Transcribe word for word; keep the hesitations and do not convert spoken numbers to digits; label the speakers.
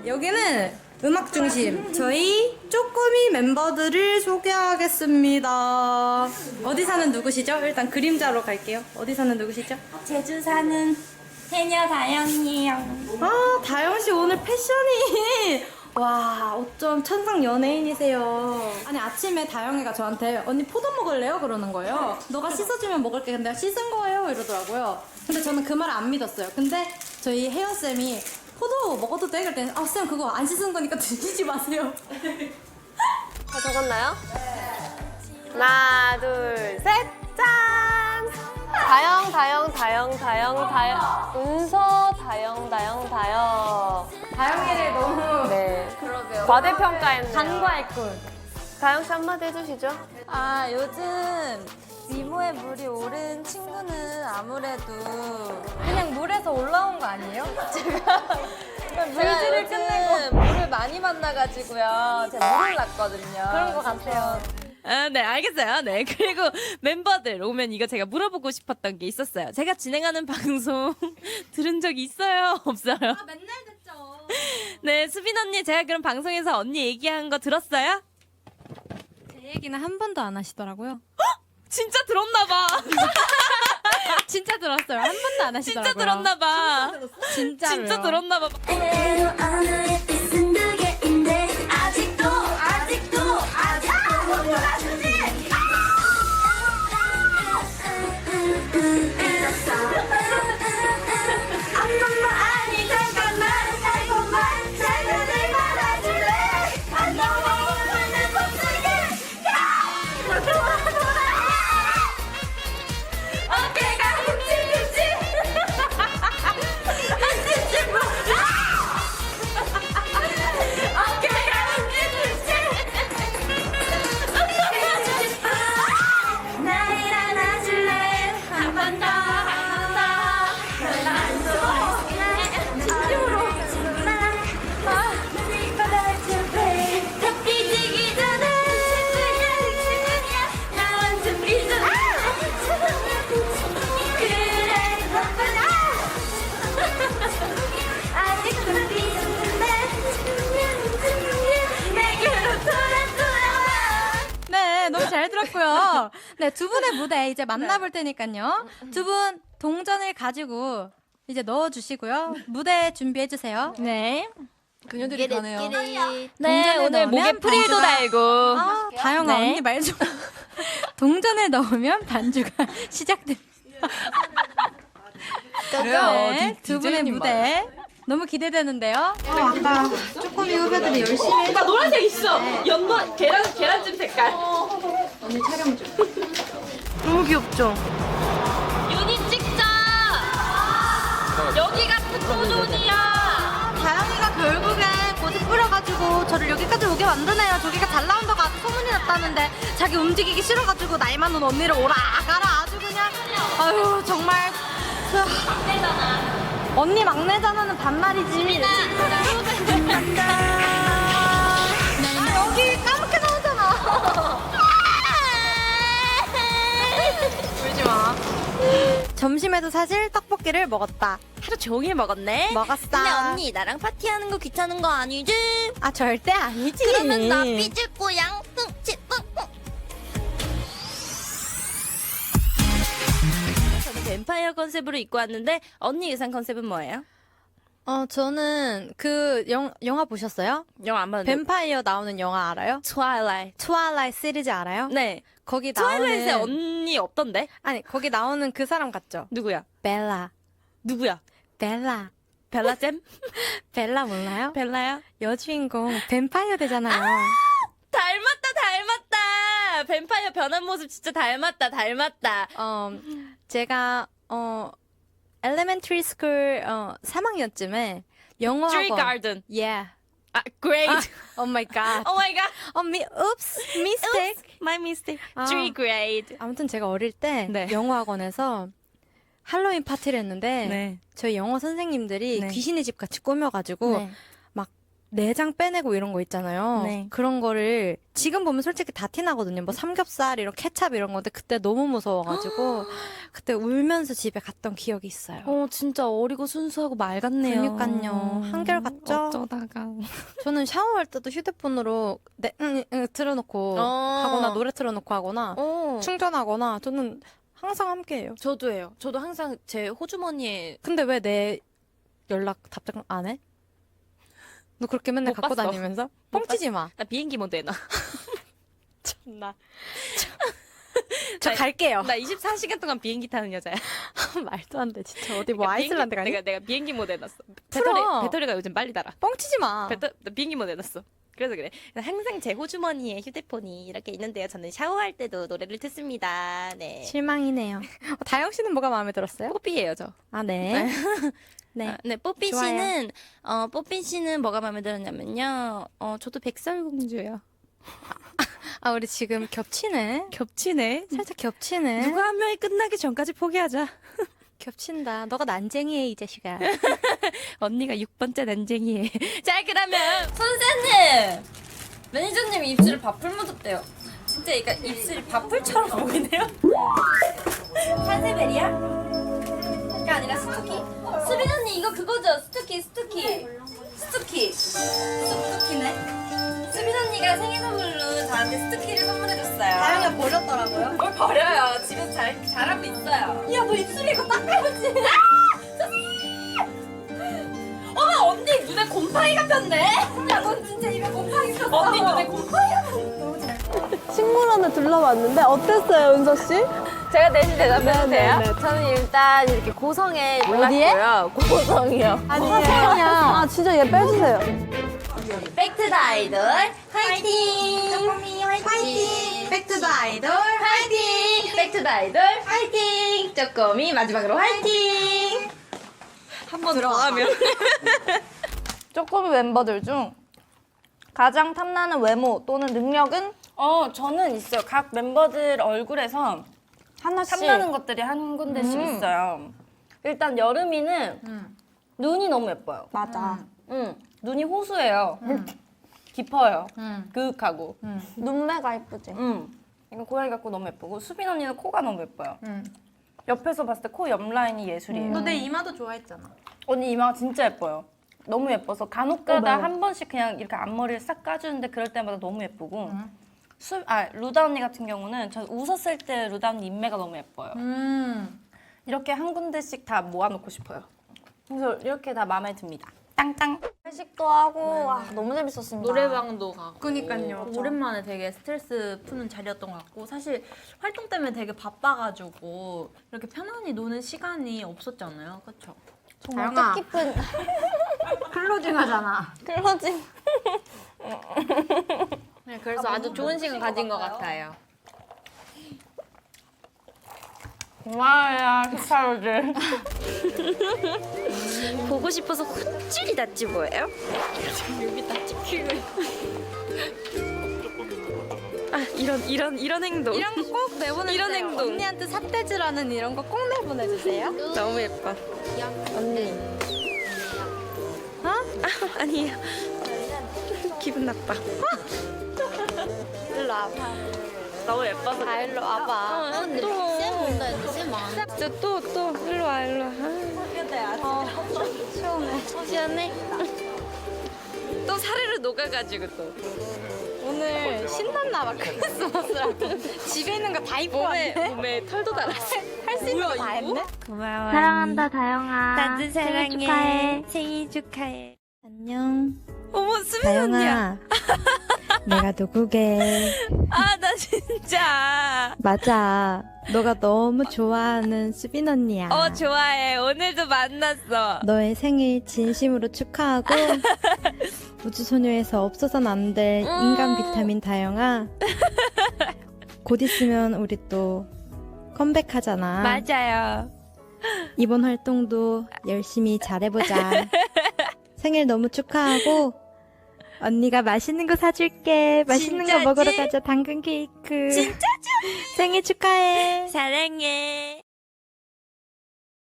Speaker 1: 여기는 음악 중심. 저희 쪼꼬미 멤버들을 소개하겠습니다. 어디 사는 누구시죠? 일단 그림자로 갈게요. 어디 사는 누구시죠?
Speaker 2: 제주 사는 해녀 다영이요.
Speaker 1: 아, 다영씨 오늘 패션이 와, 어쩜 천상 연예인이세요. 아니, 아침에 다영이가 저한테 언니 포도 먹을래요? 그러는 거예요. 너가 씻어주면 먹을게. 근데 내가 씻은 거예요? 이러더라고요. 근데 저는 그 말을 안 믿었어요. 근데 저희 혜연쌤이 포도 먹어도 돼? 그랬더니 아, 쌤 그거 안 씻은 거니까 드시지 마세요.
Speaker 3: 다 적었나요? 하나, 둘, 셋, 짠! 다영, 다영, 다영, 다영, 다영, 은서, 다영, 다영, 다영.
Speaker 1: 다영이를 너무
Speaker 3: 네. 과대평가했네요.
Speaker 1: 간과했군.
Speaker 3: 다영 씨 한마디 해주시죠.
Speaker 2: 아, 요즘 미모에 물이 오른 친구는 아무래도 그냥 물에서 올라온 거 아니에요? 제가 물질을 끝내고 물을 많이 만나가지고요. 제가 물을 났거든요.
Speaker 1: 그런 것 같아요.
Speaker 4: 아, 네, 알겠어요. 네. 그리고 멤버들 오면 이거 제가 물어보고 싶었던 게 있었어요. 제가 진행하는 방송 들은 적 있어요? 없어요? 아,
Speaker 2: 맨날 듣죠.
Speaker 4: 네, 수빈 언니, 제가 그럼 방송에서 언니 얘기한 거 들었어요?
Speaker 1: 제 얘기는 한 번도 안 하시더라고요.
Speaker 4: 진짜 들었나봐.
Speaker 1: 진짜 들었어요. 한 번도 안 하시더라고요.
Speaker 4: 진짜 들었나봐.
Speaker 1: 진짜로요.
Speaker 4: 진짜 들었나봐.
Speaker 5: 그대로 오늘의 뜻은 두 개인데 아직도 아직도 아직도 못 돌아주지. 한 번만 아니 잠깐만 달콤한 사연을 받아줄래. 안 넘어오는 봄속에 돌아 돌아 어깨가 흠칫흠칫 흠칫흠칫 어깨가 흠칫흠칫 날 안아줄래 한 번 더 한 번 더 진심으로 날 받아줄래 다 삐지기 전에 나 완전 삐져 그래 바쁘다 아직도 삐졌는데 내게로 돌아 돌아와.
Speaker 1: 네, 너무 잘 들었고요. 네, 두 분의 무대 이제 만나볼 테니까요. 두 분 동전을 가지고 이제 넣어주시고요. 무대 준비해주세요.
Speaker 4: 네.
Speaker 3: 그녀들이 가네요.
Speaker 4: 네,
Speaker 1: 동전을
Speaker 4: 오늘 목에
Speaker 1: 넣으면
Speaker 4: 프릴도
Speaker 1: 반주가-
Speaker 4: 달고.
Speaker 1: 아, 다영아,
Speaker 4: 네.
Speaker 1: 언니 말 좀. 동전을 넣으면 반주가 시작됩니다. 네, 두 분의 무대. 너무 기대되는데요. 어, 아까 쪼꼬미 후배들이 열심히 했
Speaker 4: 나 노란색 있어. 연노 계란 계란찜 색깔.
Speaker 1: 언니 촬영 중.
Speaker 3: 너무 귀엽죠?
Speaker 4: 유닛 찍자. 여기가 특도존이야.
Speaker 1: 다영이가 결국엔 고집 부려가지고 저를 여기까지 오게 만드네요. 저기가 잘 나온다고 아주 소문이 났다는데 자기 움직이기 싫어가지고 나이 많은 언니를 오라 가라 아주 그냥 아유 정말 막내잖아. 언니 막내잖아는 반말이지. 아, 여기 까맣게 나오잖아. 울지 마. 점심에도 사실 떡볶이를 먹었다.
Speaker 4: 하루 종일 먹었네.
Speaker 1: 먹었어.
Speaker 2: 근데 언니 나랑 파티하는 거 귀찮은 거 아니지?
Speaker 1: 아 절대 아니지.
Speaker 2: 그러면 나 삐질 거야. 흠칫
Speaker 4: 저는 뱀파이어 컨셉으로 입고 왔는데 언니 의상 컨셉은 뭐예요?
Speaker 1: 어 저는 그 영, 영화 보셨어요?
Speaker 4: 영화 안 봤는데.
Speaker 1: 뱀파이어 나오는 영화 알아요?
Speaker 4: 트와일라이트.
Speaker 1: 트와일라이트 시리즈 알아요?
Speaker 4: 네.
Speaker 1: 거기
Speaker 4: 트와일라이트에
Speaker 1: 나오는
Speaker 4: 언니 없던데?
Speaker 1: 아니 거기 나오는 그 사람 같죠?
Speaker 4: 누구야?
Speaker 1: 벨라.
Speaker 4: 누구야?
Speaker 1: 벨라.
Speaker 4: 벨라잼?
Speaker 1: 벨라 몰라요?
Speaker 4: 벨라야?
Speaker 1: 여주인공 뱀파이어 되잖아요.
Speaker 4: 닮았다 닮았다. 뱀파이어 변한 모습 진짜 닮았다 닮았다.
Speaker 1: 어 제가 어 엘레멘터리 스쿨 어 삼 학년쯤에 영어
Speaker 4: Tree
Speaker 1: 학원.
Speaker 4: Garden.
Speaker 1: Yeah.
Speaker 4: 아, great.
Speaker 1: 오 마이 갓.
Speaker 4: Oh my god.
Speaker 1: 어 미, oops, mistake.
Speaker 4: Oops, my mistake.
Speaker 1: 아.
Speaker 4: Tree grade.
Speaker 1: 아무튼 제가 어릴 때
Speaker 4: 네.
Speaker 1: 영어 학원에서 할로윈 파티를 했는데
Speaker 4: 네.
Speaker 1: 저희 영어 선생님들이
Speaker 4: 네.
Speaker 1: 귀신의 집 같이 꾸며가지고
Speaker 4: 네.
Speaker 1: 막 내장 빼내고 이런 거 있잖아요.
Speaker 4: 네.
Speaker 1: 그런 거를 지금 보면 솔직히 다 티나거든요. 뭐 삼겹살 이런 케찹 이런 건데 그때 너무 무서워가지고 그때 울면서 집에 갔던 기억이 있어요.
Speaker 4: 어, 진짜 어리고 순수하고 말 같네요.
Speaker 1: 그니까요. 한결 같죠?
Speaker 4: 어쩌다가.
Speaker 1: 저는 샤워할 때도 휴대폰으로 네, 응, 응, 틀어놓고
Speaker 4: 어.
Speaker 1: 하거나 노래 틀어놓고 하거나
Speaker 4: 어.
Speaker 1: 충전하거나 저는 항상 함께해요.
Speaker 4: 저도 해요. 저도 항상 제 호주머니에
Speaker 1: 근데 왜 내 연락 답장 안 해? 너 그렇게 맨날
Speaker 4: 못
Speaker 1: 갖고
Speaker 4: 봤어.
Speaker 1: 다니면서? 뻥치지 마.
Speaker 4: 나 비행기 모드 해놔.
Speaker 1: 나. 저 갈게요.
Speaker 4: 나 이십사 시간 동안 비행기 타는 여자야.
Speaker 1: 말도 안 돼. 진짜 어디 뭐
Speaker 4: 그러니까
Speaker 1: 아이슬란드 가니?
Speaker 4: 내가 내가 비행기 모드 해놨어.
Speaker 1: 풀어.
Speaker 4: 배터리 배터리가 요즘 빨리 달아.
Speaker 1: 뻥치지 마.
Speaker 4: 배터, 나 비행기 모드 해놨어. 그래서 그래. 항상 제 호주머니에 휴대폰이 이렇게 있는데요. 저는 샤워할 때도 노래를 듣습니다. 네.
Speaker 1: 실망이네요. 어, 다영 씨는 뭐가 마음에 들었어요?
Speaker 4: 뽀삐예요, 저.
Speaker 1: 아 네. 네.
Speaker 4: 아, 네, 뽀삐
Speaker 1: 좋아요.
Speaker 4: 씨는 어 뽀삐 씨는 뭐가 마음에 들었냐면요. 어 저도 백설공주요.
Speaker 1: 아 우리 지금 겹치네.
Speaker 4: 겹치네.
Speaker 1: 살짝 겹치네.
Speaker 4: 누가 한 명이 끝나기 전까지 포기하자.
Speaker 1: 겹친다. 너가 난쟁이해 이 자식아.
Speaker 4: 언니가 육 번째 난쟁이에. 자, 그러면
Speaker 2: 선생님! 매니저님 입술에 밥풀 묻었대요. 진짜 그러니까 입술이 밥풀처럼 보이네요. 산세베리야? 그게 아니라 스투키? 수빈 언니 이거 그거죠? 스투키 스투키 스투키 스투키네? 수빈 언니가 생일 선물로 저한테 스투키를 선물해줬어요. 다영이가 버렸더라고요? 뭘 버려요? 집에서 잘, 잘하고 있어요. 야 너 입술에 이거 닦아야지. 어머 언니 눈에 곰팡이가 폈네. 야 넌 진짜 입에 곰팡이 폈어. 언니 눈에 곰팡이가 폈네. 너무 잘.
Speaker 3: 식물원을 둘러봤는데 어땠어요, 은서 씨?
Speaker 2: 제가 대신 대답해도
Speaker 3: 네,
Speaker 2: 돼요?
Speaker 3: 네, 네.
Speaker 2: 저는 일단 이렇게 고성에 놀랐고요. 고성이요.
Speaker 3: 아니에요. 아 진짜 얘 빼주세요.
Speaker 2: 백투더 아이돌 화이팅! 쪼꼬미 화이팅! 백투더 아이돌 화이팅! 백투더 아이돌 화이팅! 쪼꼬미 마지막으로 화이팅! 한 번 더 하면
Speaker 6: 쪼꼬미 멤버들 중 가장 탐나는 외모 또는 능력은
Speaker 2: 어 저는 있어요. 각 멤버들 얼굴에서
Speaker 6: 하나씩.
Speaker 2: 탐나는 것들이 한 군데씩
Speaker 6: 음.
Speaker 2: 있어요. 일단 여름이는 눈이 너무 예뻐요.
Speaker 6: 맞아.
Speaker 2: 응, 눈이 호수예요. 깊어요.
Speaker 6: 음.
Speaker 2: 그윽하고.
Speaker 6: 눈매가 이쁘지.
Speaker 2: 응. 이거 고양이 같고 너무 예쁘고 수빈 언니는 코가 너무 예뻐요. 옆에서 봤을 때 코 옆 라인이 예술이에요.
Speaker 1: 너 내 이마도 좋아했잖아.
Speaker 2: 언니 이마가 진짜 예뻐요. 너무 예뻐서 간혹가다 한 번씩 그냥 이렇게 앞머리를 싹 까주는데 그럴 때마다 너무 예쁘고. 수, 아 루다 언니 같은 경우는 전 웃었을 때 루다 언니 인매가 너무 예뻐요.
Speaker 1: 음.
Speaker 2: 이렇게 한 군데씩 다 모아놓고 싶어요. 그래서 이렇게 다 마음에 듭니다. 땅땅.
Speaker 6: 회식도 하고 와, 너무 재밌었습니다.
Speaker 7: 노래방도 가고
Speaker 1: 그니까요.
Speaker 7: 오랜만에 되게 스트레스 푸는 자리였던 것 같고 사실 활동 때문에 되게 바빠가지고 이렇게 편안히 노는 시간이 없었잖아요. 그렇죠?
Speaker 6: 정말
Speaker 1: 다영아.
Speaker 6: 뜻깊은
Speaker 1: 클로징 하잖아.
Speaker 6: 클로징.
Speaker 7: 네, 그래서 아주 좋은 시간 가진 것 같아요.
Speaker 2: 고마워요 히카루들.
Speaker 4: 보고 싶어서 헛줄이 났지 뭐예요? 여기 다 찍히고. 아 이런 이런 이런 행동.
Speaker 1: 이런 거 꼭 내보내주세요.
Speaker 4: 이런 행동.
Speaker 1: 언니한테 삿대질하는 이런 거 꼭 내보내주세요.
Speaker 4: 너무 예뻐.
Speaker 6: 언니.
Speaker 4: 어? 아 아니에요. 기분 나빠.
Speaker 6: 일로 와봐.
Speaker 4: 너무 예뻐서.
Speaker 6: 다 일로 와봐.
Speaker 4: 어, 또. 진짜 또, 또, 일로 와, 일로 와. 아.
Speaker 6: 시원해.
Speaker 4: 시원해? 또 사르르 녹아가지고 또.
Speaker 1: 오늘 신났나 봐. 크리스마스라고. 집에 있는 거 다 입고
Speaker 4: 몸에,
Speaker 1: 왔네.
Speaker 4: 몸에 털도 달았어.
Speaker 1: 할 수 있는 거 다 했네.
Speaker 4: 고마워.
Speaker 6: 사랑한다 다영아.
Speaker 4: 나도 사랑해.
Speaker 6: 생일 축하해.
Speaker 4: 생일 축하해.
Speaker 1: 안녕.
Speaker 4: 어머, 수빈 언니야.
Speaker 1: 내가 누구게.
Speaker 4: 아, 나 진짜.
Speaker 1: 맞아. 너가 너무 좋아하는 수빈 언니야.
Speaker 4: 어, 좋아해. 오늘도 만났어.
Speaker 1: 너의 생일 진심으로 축하하고 우주소녀에서 없어서는 안 될 인간 비타민 다영아. 곧 있으면 우리 또 컴백하잖아.
Speaker 4: 맞아요.
Speaker 1: 이번 활동도 열심히 잘해보자. 생일 너무 축하하고 언니가 맛있는 거 사줄게. 맛있는
Speaker 4: 진짜지?
Speaker 1: 거 먹으러 가자. 당근 케이크.
Speaker 4: 진짜죠?
Speaker 1: 생일 축하해.
Speaker 4: 사랑해.